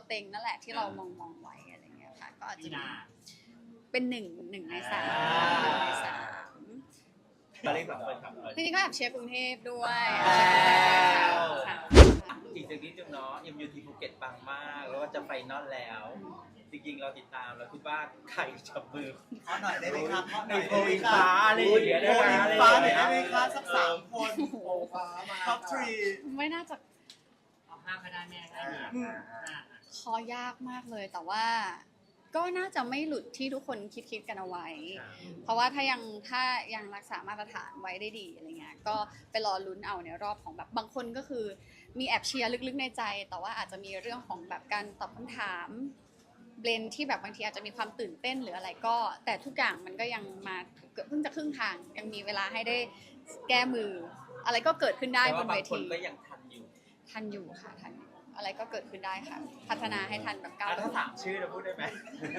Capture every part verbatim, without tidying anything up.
เต็งนั่นแหละที่เรามองมองไว้อะไรเงี้ยค่ะก็อาจจะเป็นหนึ่งหนึ่งในสามหนึ่งในสามตอนนี้แบบเปิดครับจริงๆก็แอบเชียร์กรุงเทพด้วยค่ะอีกสักนิดนึงเนาะ เอ็ม ยู ที ภูเก็ตปังมากแล้วก็จะไฟนอลแล้วจริงๆเราติดตามเราคิดว่าใครจับมือขอหน่อยได้ไหมครับขอหในน่อยโพลิฟ้าอะไรอย่างเงี้ยโพลิฟ้าหน่อยได้ไหมครับสักสามคนโอ้ฟ้ามาท็อปทรีไม่น่าจะเอาห้าก็ได้แม่ได้เนี่ยห้าคอยากมากเลยแต่ว่าก็น่าจะไม่หลุดที่ทุกคนคิดคิดกันเอาไว้ เพราะว่าถ้ายังถ้ายังรักษามาตรฐานไว้ได้ดีอะไรเงี้ยก็ไปรอลุ้นเอาในรอบของแบบบางคนก็คือมีแอบเชียร์ลึกๆในใจ แต่ว่าอาจจะมีเรื่องของแบบการตอบคำถามเบลนที่แบบบางทีอาจจะมีความตื่นเต้นหรืออะไรก็แต่ทุกอย่างมันก็ยังมาเกือบเพิ่งจะครึ่งทางยังมีเวลาให้ได้แก้มือ อะไรก็เกิดขึ้นได้แต่บว่าน บาเวงคนทีก็ยังทันอยู่ทันอยู่ค่ะทันอยู่อะไรก็เกิดขึ้นได้ค่ะ พัฒนาให้ทันแบบก้าวอ่ะถ้าถามชื่อเราพูดได้ไหม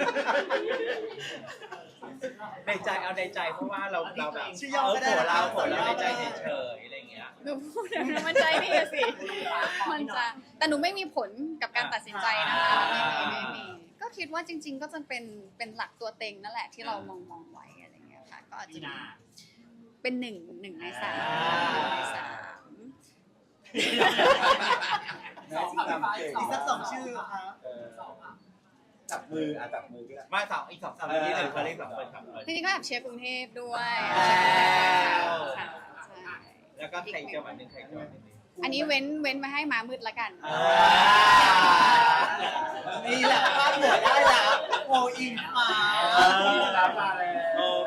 ในใจเอาในใจเพราะว่าเราเราแบบชื่อย่อเออก็ได้โผล่นะเราครับโผล่เราในใจเฉยๆอะไรอย่างเงี้ยหนูพูดแล้วนะมันใจนี่สิ มันจะแต่หนูไม่มีผลกับการตัดสินใจนะคะไม่มีไม่มีก็คิดว่าจริง ๆ ก็จะเป็นเป็นหลักตัวเต็งนั่นแหละที่เรามองมองไว้อะไรเงี้ยค่ะก็อาจจะเป็นหนึ่งหนึ่งในสามหนึ่งในสามอีกสักสองชื่อครับจับมืออ่ะจับมือก็ได้มาสองอีกสองสามที่หนึ่งเขาเรียกแบบเปิดครับจริงๆก็แอบเชียร์กรุงเทพด้วยอ้าวค่ะใช่แล้วก็ใครจังหวัดหนึ่งใครจังหวัดหนึ่งอันนี้เว้นเว้นมาให้มามืดละกันอ่านี่แหละพลาดหัวได้แล้วโออิงฟ้าเออ